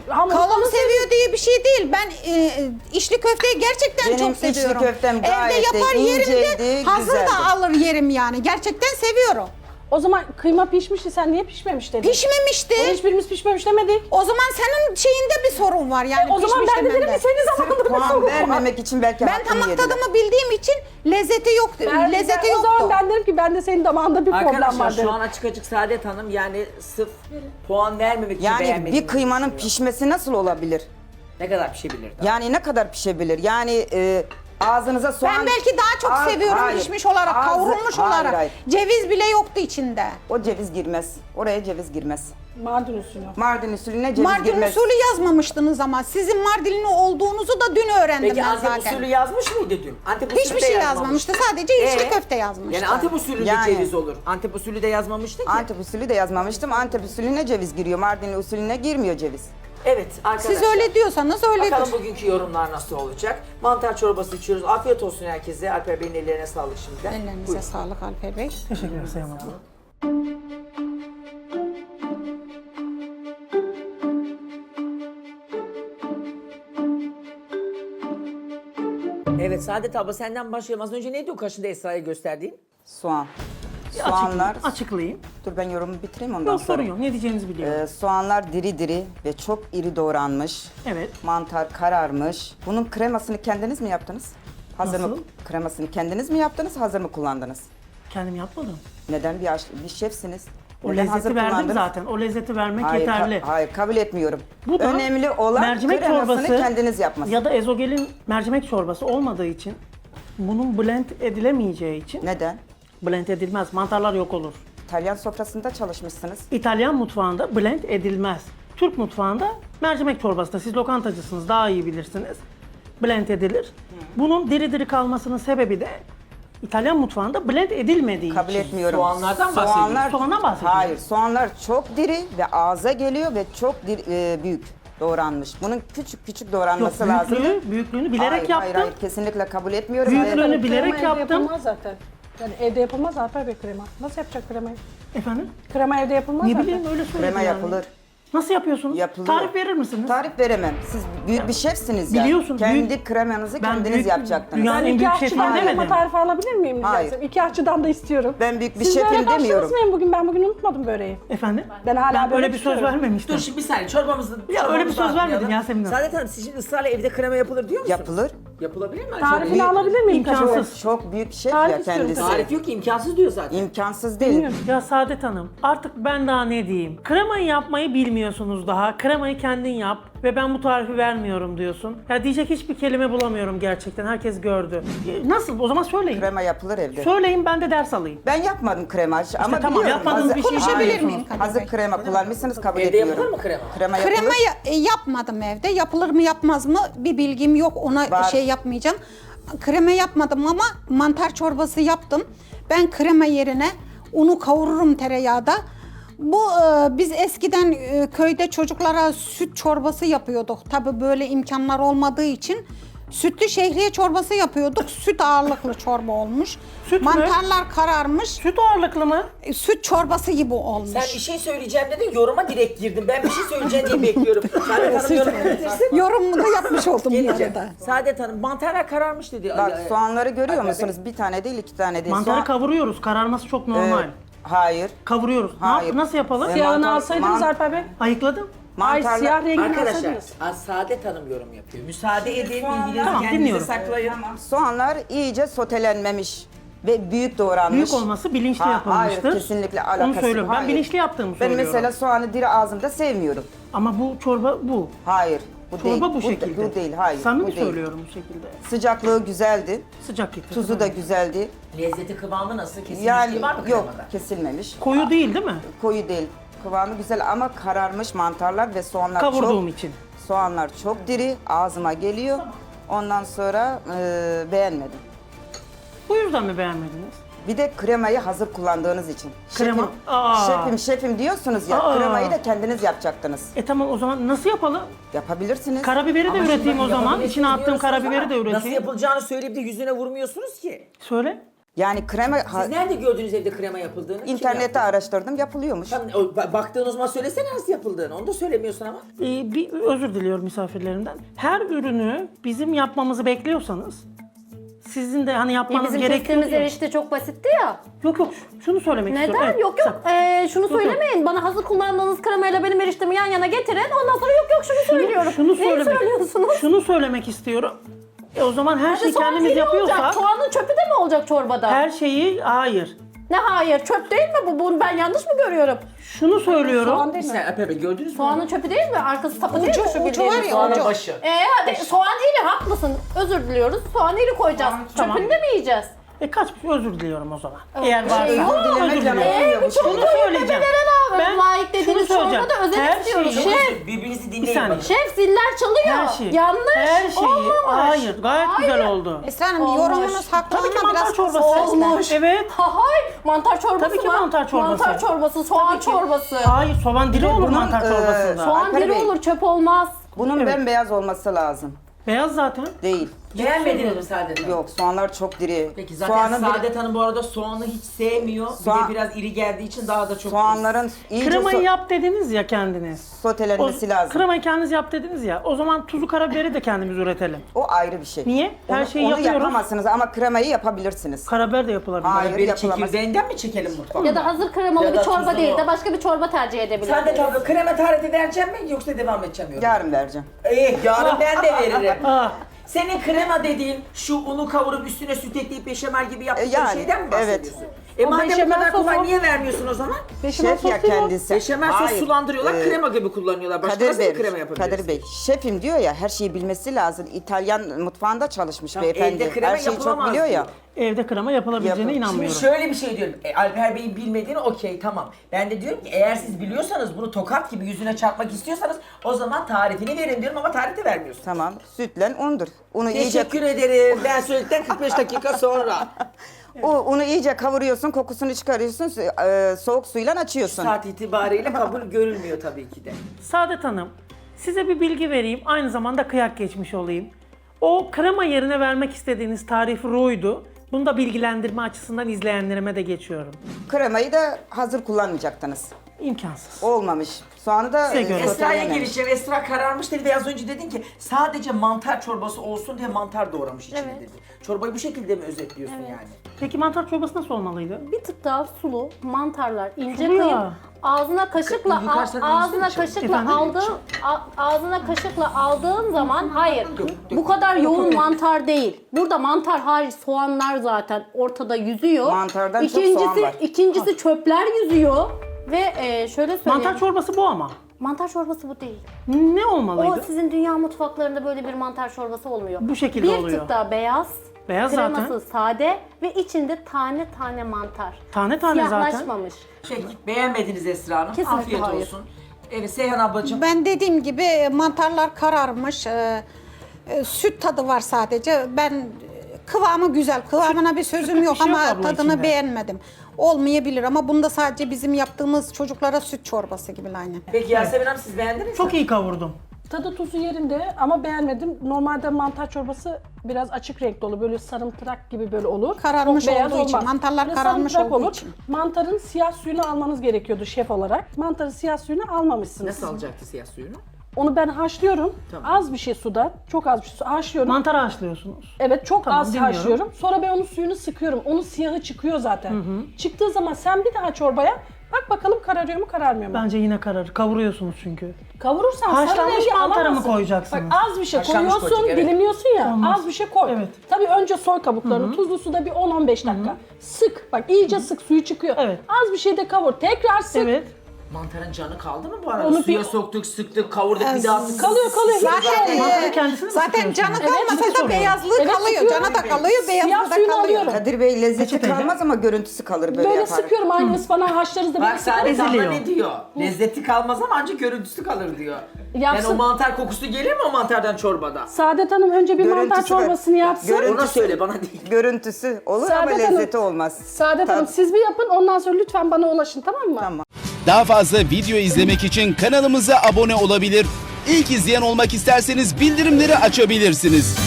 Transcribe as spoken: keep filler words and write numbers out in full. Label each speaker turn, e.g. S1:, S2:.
S1: Hamuru
S2: Kalın
S1: kalın
S2: seviyor diye bir şey değil. Ben e, içli köfteyi gerçekten
S3: Benim
S2: çok
S3: içli
S2: seviyorum.
S3: köftem gayet
S2: Evde
S3: de
S2: yapar yerim de
S3: inceydi,
S2: hazır
S3: güzeldi.
S2: da alır yerim yani. Gerçekten seviyorum.
S1: O zaman kıyma pişmişti, sen niye pişmemiş dedin?
S2: Pişmemişti.
S1: Onu hiçbirimiz pişmemiş demedik.
S2: O zaman senin şeyinde bir sorun var yani.
S1: E, o zaman
S2: pişmiş
S1: ben de dedim
S2: demende.
S1: ki senin zamanında bir
S3: Puan
S1: sorun var.
S3: vermemek için belki
S2: Ben
S3: hakkını
S2: damak
S3: yediler.
S2: tadımı bildiğim için lezzeti yok.
S1: Ben-
S2: lezzeti
S1: ben- O
S2: yoktu.
S1: zaman ben derim ki ben de senin damağında bir problem
S4: Arkadaşlar
S1: var
S4: şu
S1: derim.
S4: an açık açık Saadet Hanım yani sırf puan vermemek için
S3: Yani
S4: beğenmediğini
S3: bir kıymanın
S4: düşünüyor.
S3: pişmesi nasıl olabilir?
S4: Ne kadar pişebilir daha?
S3: Yani ne kadar pişebilir? Yani e, ağzınıza soğan...
S2: Ben belki daha çok
S3: Az-
S2: seviyorum
S3: hayır.
S2: pişmiş olarak,
S3: Ağzı-
S2: kavrulmuş
S3: hayır,
S2: olarak.
S3: hayır.
S2: Ceviz bile yoktu içinde.
S3: O ceviz girmez. Oraya ceviz girmez.
S1: Mardin usulü.
S3: Mardin usulüne ceviz
S2: Mardin
S3: girmez.
S2: usulü yazmamıştınız ama sizin Mardinli olduğunuzu da dün öğrendim
S4: Peki
S2: ben
S4: Antep
S2: zaten.
S4: usulü yazmış mıydı dün? Antep usulü
S2: Hiçbir
S4: de
S2: şey
S4: yazmamıştı.
S2: yazmamıştı. Sadece içli
S4: Ee?
S2: köfte yazmıştı.
S4: Yani Antep usulü de
S3: Yani.
S4: ceviz olur. Antep usulü de yazmamıştı ki.
S3: Antep usulü de yazmamıştım. Antep usulüne ceviz giriyor. Mardin usulüne girmiyor ceviz.
S4: Evet arkadaşlar.
S2: Siz öyle diyorsanız öyledir.
S4: Bakalım bugünkü yorumlar nasıl olacak? Mantar çorbası içiyoruz. Afiyet olsun herkese. Alper Bey'in ellerine sağlık şimdiden.
S2: Ellerinize
S4: Buyurun.
S2: sağlık Alper Bey.
S5: Teşekkür ederim Sayın Hanım.
S4: Evet Saadet abla senden başlayalım. Az önce neydi o kaşında Esra'ya gösterdiğin?
S3: Soğan.
S5: Bir
S3: Soğanlar...
S5: Açıklayayım. açıklayayım.
S3: Dur ben yorumu bitireyim ondan
S5: Yok
S3: sonra.
S5: sorun yok. Ne diyeceğinizi biliyorum.
S3: Ee, soğanlar diri diri ve çok iri doğranmış.
S5: Evet.
S3: Mantar kararmış. Bunun kremasını kendiniz mi yaptınız? Hazır mı?
S5: Nasıl?
S3: Kremasını kendiniz mi yaptınız, hazır mı kullandınız?
S5: Kendim yapmadım.
S3: Neden bir, aş- bir şefsiniz?
S5: O
S3: Neden
S5: lezzeti verdim
S3: kullandınız?
S5: zaten. O lezzeti vermek
S3: Hayır, ka-
S5: yeterli.
S3: hayır kabul etmiyorum.
S5: Bu da
S3: Önemli olan
S5: mercimek
S3: kremasını
S5: çorbası
S3: kendiniz yapması.
S5: ya da ezogelin mercimek çorbası olmadığı için, bunun blend edilemeyeceği için
S3: Neden?
S5: blend edilmez. Mantarlar yok olur.
S3: İtalyan sofrasında çalışmışsınız.
S5: İtalyan mutfağında blend edilmez. Türk mutfağında mercimek çorbasında, siz lokantacısınız, daha iyi bilirsiniz. Blend edilir. Bunun diri diri kalmasının sebebi de İtalyan mutfağında blend edilmediği
S3: Kabul
S5: için.
S3: etmiyorum.
S4: Soğanlardan bahsediyorsun.
S3: Soğanlar,
S5: Soğandan bahsediyorum.
S3: Hayır, soğanlar çok diri ve ağza geliyor ve çok diri, e, büyük doğranmış. Bunun küçük küçük
S5: Yok,
S3: doğranması lazım.
S5: büyüklüğü, büyüklüğünü bilerek
S3: hayır,
S5: yaptım.
S3: Hayır, hayır, kesinlikle kabul etmiyorum.
S5: Büyüklüğünü
S3: Ve-
S5: bilerek
S1: Krema evde
S5: yaptım.
S1: yapılmaz zaten. Yani evde yapılmaz Alper Bey krema. Nasıl yapacak kremayı?
S5: Efendim?
S1: Krema evde yapılmaz
S5: Ne
S1: zaten.
S5: bileyim öyle söyledi
S3: Krema
S5: yani.
S3: yapılır.
S5: Nasıl yapıyorsunuz?
S3: Yapılıyor.
S5: Tarif verir misiniz?
S3: Tarif veremem. Siz büyük bir şefsiniz ya.
S5: Biliyorsun,
S3: Kendi
S5: büyük-
S3: kremanızı
S5: Ben
S3: kendiniz
S5: büyük-
S3: yapacaksınız.
S5: dünyanın
S1: Ben
S5: en
S1: iki
S5: büyük
S1: aşçıdan
S5: şefim
S1: krema
S5: demedim.
S1: tarifi alabilir miyim rica
S3: Hayır.
S1: etsem? İki aşçıdan da istiyorum.
S3: Ben büyük bir
S1: Siz
S3: şefim
S1: böyle
S3: demiyorum.
S1: karşınız mıyım bugün? Ben bugün unutmadım böreği.
S5: Efendim?
S1: Ben hala
S5: ben
S1: böyle
S5: öyle bir söz
S1: tutuyorum.
S5: vermemiştim.
S4: Dur şimdi bir saniye çorbamızı...
S5: Ya öyle bir söz
S4: çorbamızı
S5: vermedin
S4: atmayalım.
S5: Yasemin Hanım.
S4: Saadet Hanım siz şimdi ısrarla evde krema yapılır diyor musunuz?
S3: Yapılır.
S4: Yapılabilir mi?
S1: Tarifini
S3: büyük-
S1: alabilir miyim?
S5: İmkansız.
S3: Çok büyük bir şef
S1: Tarif
S3: ya
S1: istiyorum.
S3: kendisi.
S4: Tarif yok ki imkansız diyor zaten.
S3: İmkansız değil.
S5: Ya Saadet Hanım, artık ben daha ne diyeyim? Kremayı yapmayı bilmiyorsunuz daha. Kremayı kendin yap ve ben bu tarifi vermiyorum diyorsun. Ya diyecek hiçbir kelime bulamıyorum gerçekten. Herkes gördü. E, Nasıl? O zaman söyleyin.
S3: Krema yapılır evde.
S5: Söyleyin, ben de ders alayım.
S3: Ben yapmadım krema ama
S5: tamam,
S3: biliyorum.
S5: yapmadığınız
S3: Hazır-
S5: bir şey
S2: Konuşabilir
S5: biliyorsunuz.
S2: miyim Kadir
S3: Hazır
S2: Bey?
S3: krema kullanmışsınız kabul
S4: Evde
S3: etmiyorum.
S4: yapılır mı krema?
S3: Krema yapılır.
S2: Krema ya- e, yapmadım evde. Yapılır mı yapmaz mı bir bilgim yok. Ona
S3: Var.
S2: şey yapmayacağım. Krema yapmadım ama mantar çorbası yaptım. Ben krema yerine unu kavururum tereyağda. Bu e, biz eskiden e, köyde çocuklara süt çorbası yapıyorduk. Tabii böyle imkanlar olmadığı için sütlü şehriye çorbası yapıyorduk. Süt ağırlıklı çorba olmuş.
S5: Süt mü?
S2: Mantarlar kararmış.
S5: Süt ağırlıklı mı?
S2: E, Süt çorbası gibi olmuş.
S4: Sen bir şey söyleyeceğim dedin yoruma direkt girdim. Ben bir şey söyleyeceğim diye bekliyorum. Saadet Hanım yorumu bitirsin.
S2: Yorumumu da yapmış oldum bu
S4: Geleceğim.
S2: arada.
S4: Saadet Hanım mantarlar kararmış dedi.
S3: Bak
S4: Ay,
S3: soğanları görüyor
S4: Alper
S3: musunuz? Bir tane değil, iki tane değil.
S5: Mantarı
S3: Soğan-
S5: kavuruyoruz. Kararması çok normal.
S3: Ee, hayır.
S5: Kavuruyoruz. Ne
S3: Hayır.
S5: yap- nasıl yapalım?
S3: Ee,
S1: Siyahını
S3: mantar-
S1: alsaydınız
S3: man-
S1: Alper Bey.
S5: Ayıkladım.
S1: Ay
S3: Mantarlar-
S1: siyah rengini
S4: Arkadaşlar
S1: alsaydınız.
S4: az Saadet Hanım yorum yapıyor. Müsaade edin
S3: soğanlar-
S4: bilginizi
S5: Tamam,
S4: kendinize
S5: dinliyorum.
S4: saklayın.
S3: Soğanlar iyice sotelenmemiş ve büyük doğranmış.
S5: Büyük olması bilinçli
S3: Ha-
S5: yapılmıştır.
S3: Hayır, kesinlikle alakası
S5: Onu söylüyorum. Ben
S3: hayır.
S5: bilinçli yaptığımı
S3: Ben
S5: söylüyorum.
S3: mesela soğanı diri ağzımda sevmiyorum.
S5: Ama bu çorba bu.
S3: Hayır, bu
S5: Çorba
S3: değil.
S5: bu şekilde.
S3: Bu değil, hayır.
S5: Samimi
S3: bu değil.
S5: söylüyorum bu şekilde.
S3: Sıcaklığı güzeldi,
S5: Sıcak getir.
S3: tuzu da güzeldi.
S4: Lezzeti kıvamı nasıl? Kesinlikle
S3: Yani
S4: var mı
S3: yok,
S4: kremada?
S3: kesilmemiş.
S5: Koyu değil değil mi?
S3: Koyu değil. Kıvamı güzel ama kararmış mantarlar ve soğanlar
S5: Kavurduğum
S3: çok...
S5: için.
S3: Soğanlar çok diri, ağzıma geliyor. Ondan sonra e, beğenmedim.
S5: Bu yüzden mi beğenmediniz?
S3: Bir de kremayı hazır kullandığınız için.
S5: Krema-
S3: Şefim,
S5: Aa.
S3: şefim, şefim diyorsunuz ya,
S5: Aa.
S3: kremayı da kendiniz yapacaktınız.
S5: E tamam, o zaman nasıl yapalım?
S3: Yapabilirsiniz.
S5: Karabiberi de
S4: Ama şimdi
S5: üreteyim o zaman.
S4: yapabilirsiniz
S5: İçine attığım
S4: diyorsunuz
S5: karabiberi
S4: ama
S5: de
S4: Nasıl
S5: üreteyim.
S4: yapılacağını söyleyip de yüzüne vurmuyorsunuz ki.
S5: Söyle.
S3: Yani krema ha-
S4: Siz nerede gördünüz evde krema yapıldığını? Kim
S3: internette
S4: yaptı?
S3: araştırdım, yapılıyormuş.
S4: Tam, o, ba- baktığın o zaman söylesene nasıl yapıldığını. Onu da söylemiyorsun ama.
S5: Ee, bir özür diliyorum misafirlerimden. Her ürünü bizim yapmamızı bekliyorsanız sizin de hani
S6: Ya
S5: yapmanız
S6: bizim
S5: gerekiyor.
S6: kestiğimiz
S5: diye-
S6: erişte çok basitti ya.
S5: Yok yok şunu söylemek istiyorum.
S6: Neden?
S5: Evet,
S6: Yok yok.
S5: sen-
S6: Ee, şunu
S5: Yok, yok.
S6: söylemeyin. Bana hazır kullandığınız kremayla benim eriştemi yan yana getirin. Ondan sonra yok yok şunu, söylüyorum.
S5: Şunu
S6: Neyi
S5: söylemek,
S6: söylüyorsunuz?
S5: şunu söylemek istiyorum. E o zaman her
S6: Hadi
S5: şeyi
S6: soğan
S5: kendimiz
S6: iri
S5: yapıyorsak
S6: olacak. Soğanın çöpü de mi olacak çorbada?
S5: her şeyi hayır.
S6: Ne hayır? Çöp değil mi bu? Bunu ben yanlış mı görüyorum?
S5: Şunu söylüyorum.
S1: Soğan değil mi?
S4: Sen Alper Bey gördünüz mü?
S6: Soğanın çöpü değil mi? Arkası sapı değil mi?
S2: Ucu-
S6: Şu
S2: ucu
S6: bildiğiniz
S2: var ya,
S6: soğanın?
S2: ucu.
S4: başı.
S6: Ee hadi soğan iri haklısın. Özür diliyoruz. Soğan iri koyacağız.
S5: Tamam.
S6: Çöpünü de mi yiyeceğiz?
S5: E kaç özür diliyorum o zaman. Eğer varsa
S6: şey yok.
S5: özür
S3: Dilemekle
S5: diliyorum.
S3: olmuyormuş.
S5: Şunu söyleyeceğim.
S6: Ben layık dediğiniz
S5: şunu söyleyeceğim.
S6: çorbada özen
S5: Her
S6: istiyoruz.
S5: şeyi-
S6: Şef,
S4: Birbirinizi
S5: Bir
S4: dinleyin
S5: saniye.
S4: bakın.
S6: şef ziller çalıyor.
S5: Her şeyi.
S6: Yanlış.
S5: Her şeyi.
S6: Olmamış.
S5: Hayır gayet güzel
S6: Hayır.
S5: oldu.
S2: Esra Hanım
S6: Olmuş.
S2: yorumunuz haklı
S5: Tabii ki
S2: ama
S5: mantar
S2: biraz
S5: çorbası.
S6: Olmuş.
S5: Evet.
S6: Hay mantar çorbası
S5: Tabii ki
S6: mı?
S5: mantar çorbası.
S6: Mantar çorbası, soğan çorbası.
S5: Hayır soğan diri olur
S3: bunun,
S5: mantar
S3: e,
S5: çorbasında.
S6: Soğan
S3: Alper
S6: diri
S3: Bey.
S6: olur, çöp olmaz.
S3: Bunun
S5: Evet.
S3: bembeyaz olması lazım.
S5: Beyaz zaten.
S3: Değil.
S4: Beğenmediniz mi Saadet Hanım?
S3: Yok, soğanlar çok diri.
S4: Peki zaten
S3: Soğanın bir-
S4: Saadet Hanım bu arada soğanı hiç sevmiyor.
S3: Soğan-
S4: Bir de biraz iri geldiği için daha da çok...
S3: soğanların iyice
S5: Kremayı
S3: so-
S5: yap dediniz ya kendiniz.
S3: sotelenmesi
S5: O-
S3: lazım.
S5: Kremayı kendiniz yap dediniz ya. O zaman tuzu karabiberi de kendimiz üretelim.
S3: O ayrı bir şey.
S5: Niye? Her
S3: onu,
S5: şeyi
S3: onu
S5: yapıyoruz.
S3: yapamazsınız ama kremayı yapabilirsiniz.
S5: Karabiber de yapılabilir.
S3: Hayır.
S4: Bir
S3: yapılamaz.
S4: çekirdeğinden mi çekelim mutfağa?
S6: Ya da hazır kremalı
S4: Ya
S6: bir
S4: da
S6: çorba
S4: tuzlu.
S6: değil de başka bir çorba tercih edebilirsiniz.
S4: Saadet abla krema tarifi vereceğim mi yoksa devam edeceğim yorum?
S3: Yarın vereceğim.
S4: İyi yarın ben de veririm.
S5: Ah.
S4: Senin krema dediğin şu unu kavurup üstüne süt ekleyip beşamel gibi yaptığın
S3: E, yani,
S4: şeyden mi
S3: evet.
S4: bahsediyorsun? E
S1: O
S4: madem bu
S1: beşamel
S4: kadar kolay
S1: sosu-
S4: niye vermiyorsun o zaman?
S1: Beşamel
S3: Şef ya
S1: sos değil mi?
S3: kendisi.
S4: Beşamel sos
S3: Hayır,
S4: sulandırıyorlar,
S3: e,
S4: krema gibi kullanıyorlar. Başka
S3: Kadir
S4: nasıl
S3: Bey,
S4: bir krema yapabiliriz?
S3: Kadir Bey, şefim diyor ya, her şeyi bilmesi lazım. İtalyan mutfağında çalışmış
S4: Tamam,
S3: beyefendi.
S4: evde krema
S3: Her şeyi çok
S4: yapılamaz
S3: biliyor ya.
S4: diyor.
S5: Evde krema yapılabileceğine
S3: Yapın.
S4: Şimdi
S5: inanmıyorum.
S4: şöyle bir şey diyorum. E, Alper Bey'in bilmediğini okey tamam. Ben de diyorum ki eğer siz biliyorsanız bunu tokat gibi yüzüne çarpmak istiyorsanız o zaman tarifini verin diyorum ama tarifi vermiyorsun.
S3: Tamam, sütle undur. Unu iyice
S4: Teşekkür ederim. Ben söyledikten kırk beş dakika sonra.
S3: o unu iyice kavuruyorsun, kokusunu çıkarıyorsun, e, soğuk suyla açıyorsun.
S4: Saat itibariyle kabul görülmüyor tabii ki de.
S5: Saadet Hanım, size bir bilgi vereyim. Aynı zamanda kıyak geçmiş olayım. O krema yerine vermek istediğiniz tarif roydu. Bunu da bilgilendirme açısından izleyenlerime de geçiyorum.
S3: Kremayı da hazır kullanmayacaktınız.
S5: İmkansız.
S3: Olmamış. Soğanı da
S5: Size
S3: e,
S5: göre.
S4: Esra'ya
S3: soteleyememiş.
S4: geleceğim. Esra kararmış dedi ve az önce dedin ki sadece mantar çorbası olsun diye mantar doğramış içine
S6: Evet.
S4: dedi. Çorbayı bu şekilde mi özetliyorsun yani?
S5: Peki mantar çorbası nasıl olmalıydı?
S6: Bir tık daha sulu, mantarlar ince
S5: Sulu ya.
S6: kıyıp ağzına kaşıkla
S4: Yukarı
S6: al-
S4: sen
S6: ağzına
S4: iyisin
S6: kaşıkla
S5: Efendim?
S6: aldığın a- ağzına kaşıkla aldığın zaman hayır. Bu kadar yoğun mantar değil. Burada mantar hariç soğanlar zaten ortada yüzüyor.
S3: Mantardan çok
S6: İkincisi
S3: soğan var.
S6: ikincisi çöpler yüzüyor ve e, şöyle söyleyeyim.
S5: Mantar çorbası bu ama.
S6: Mantar çorbası bu değil.
S5: Ne
S6: O
S5: olmalıydı?
S6: sizin dünya mutfaklarında böyle bir mantar çorbası olmuyor.
S5: Bu şekilde
S6: bir
S5: oluyor.
S6: tık daha beyaz.
S5: Beyaz
S6: kreması
S5: zaten.
S6: sade ve içinde tane tane mantar.
S5: Tane tane zaten.
S6: Siyahlaşmamış.
S4: Şey, beğenmediniz Esra Hanım.
S6: Kesinlikle
S4: Afiyet
S6: hayır.
S4: olsun. Evet Seyhan ablacığım.
S2: Ben dediğim gibi mantarlar kararmış. e, e, süt tadı var sadece. Ben e, kıvamı güzel. Kıvamına bir sözüm
S5: süt
S2: yok
S5: bir şey yok
S2: ama
S5: abla
S2: tadını
S5: içinde.
S2: beğenmedim. Olmayabilir ama bunda sadece bizim yaptığımız çocuklara süt çorbası gibi aynı.
S4: Peki Yasemin Hanım siz beğendiniz mi?
S5: Çok iyi kavurdum.
S1: Tadı tuzu yerinde ama beğenmedim. Normalde mantar çorbası biraz açık renkli olur. Böyle sarımtırak gibi böyle olur.
S2: Kararmış
S1: Çok beyaz
S2: olduğu için,
S1: olmaz.
S2: mantarlar
S1: Böyle
S2: kararmış
S1: sarımtırak
S2: olduğu için.
S1: Mantarın siyah suyunu almanız gerekiyordu şef olarak. Mantarın siyah suyunu almamışsınız.
S4: Nasıl alacaktı siyah suyunu?
S1: Onu ben haşlıyorum.
S4: Tamam.
S1: Az bir şey suda, çok az bir şey su haşlıyorum.
S5: Mantarı haşlıyorsunuz.
S1: Evet çok
S5: Tamam,
S1: az
S5: dinliyorum.
S1: haşlıyorum. Sonra ben onun suyunu sıkıyorum. Onun siyahı çıkıyor zaten. Çıktığı zaman sen bir daha çorbaya bak bakalım kararıyor mu kararmıyor mu?
S5: Bence yine kararır. Kavuruyorsunuz çünkü.
S1: Kavurursan sarı
S5: Haşlanmış
S1: rengi
S5: mantarı mı
S1: alamazsın.
S5: koyacaksınız?
S1: Bak az bir şey
S4: Haşlanmış
S1: koyuyorsun,
S4: koyacak, evet.
S1: dilimliyorsun ya.
S5: Olmaz.
S1: Az bir şey koy.
S5: Evet.
S1: Tabii önce soy kabuklarını. Tuzlu suda bir on on beş dakika. Sık. Bak iyice sık suyu çıkıyor.
S5: Evet.
S1: Az bir şey de kavur. Tekrar sık.
S5: Evet.
S4: Mantarın canı kaldı mı bu arada?
S1: Onu
S4: Suya
S1: bir-
S4: soktuk, sıktık, kavurduk bir daha sıktık.
S1: Kalıyor kalıyor. Hiç
S2: Zaten,
S1: şey
S2: e,
S1: olmaz.
S5: Mantarı kendisini mi
S2: zaten
S5: sıkıyorsunuz?
S2: canı
S1: Evet,
S2: kalmasa da
S5: sıkıyorum.
S2: beyazlığı
S1: Evet,
S2: kalıyor.
S1: sıkıyorum.
S2: Canı da kalıyor,
S1: Siyah
S2: beyazlığı da
S1: suyunu
S2: kalıyor.
S1: alıyorum.
S3: Kadir Bey lezzeti
S5: Peçete.
S3: kalmaz ama görüntüsü kalır böyle,
S1: Böyle
S3: yaparak.
S1: sıkıyorum. Aynı ıspanağı haşlarız da böyle
S4: Bak Saadet
S1: sıkarız.
S4: abla
S5: Eziliyor.
S4: ne diyor? Lezzeti kalmaz ama ancak görüntüsü kalır diyor.
S1: Yapsın.
S4: Yani o mantar kokusu gelir mi o mantardan çorbada?
S1: Saadet Hanım önce bir
S3: Görüntüsü
S1: mantar
S3: de-
S1: çorbasını yapsın.
S3: Görüntü-
S4: Ona söyle bana değil.
S3: Görüntüsü olur ama
S1: Saadet Hanım-
S3: lezzeti olmaz.
S1: Saadet
S3: Tat-
S1: Hanım siz bir yapın ondan sonra lütfen bana ulaşın tamam mı?
S3: Tamam.
S7: Daha fazla video izlemek için kanalımıza abone olabilir. İlk izleyen olmak isterseniz bildirimleri açabilirsiniz.